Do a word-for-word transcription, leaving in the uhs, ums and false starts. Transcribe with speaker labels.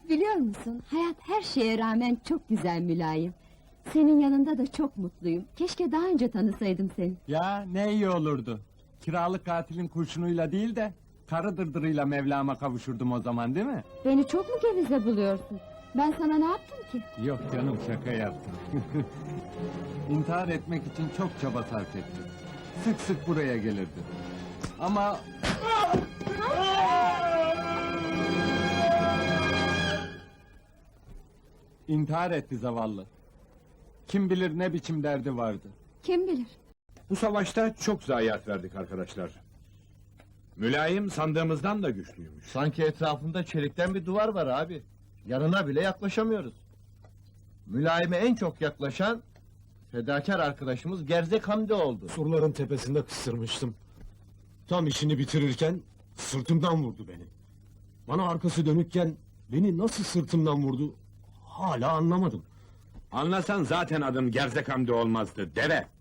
Speaker 1: Biliyor musun, hayat her şeye rağmen çok güzel Mülayim. Senin yanında da çok mutluyum. Keşke daha önce tanısaydım seni.
Speaker 2: Ya ne iyi olurdu. Kiralık katilin kurşunuyla değil de karı dırdırıyla Mevlam'a kavuşurdum o zaman, değil mi?
Speaker 1: Beni çok mu gevize buluyorsun? Ben sana ne yaptım ki?
Speaker 2: Yok canım, şaka yaptım. İntihar etmek için çok çaba sarf ettim. Sık sık buraya gelirdi. Ama... İntihar etti zavallı. Kim bilir ne biçim derdi vardı.
Speaker 1: Kim bilir?
Speaker 3: Bu savaşta çok zayiat verdik arkadaşlar. Mülayim sandığımızdan da güçlüymüş.
Speaker 4: Sanki etrafında çelikten bir duvar var abi. Yanına bile yaklaşamıyoruz. Mülayime en çok yaklaşan fedakar arkadaşımız Gerzek Hamdi oldu.
Speaker 5: Surların tepesinde kıstırmıştım. Tam işini bitirirken sırtımdan vurdu beni. Bana arkası dönükken beni nasıl sırtımdan vurdu hala anlamadım.
Speaker 3: Anlasan zaten adın Gerzek Hamdi olmazdı, deve!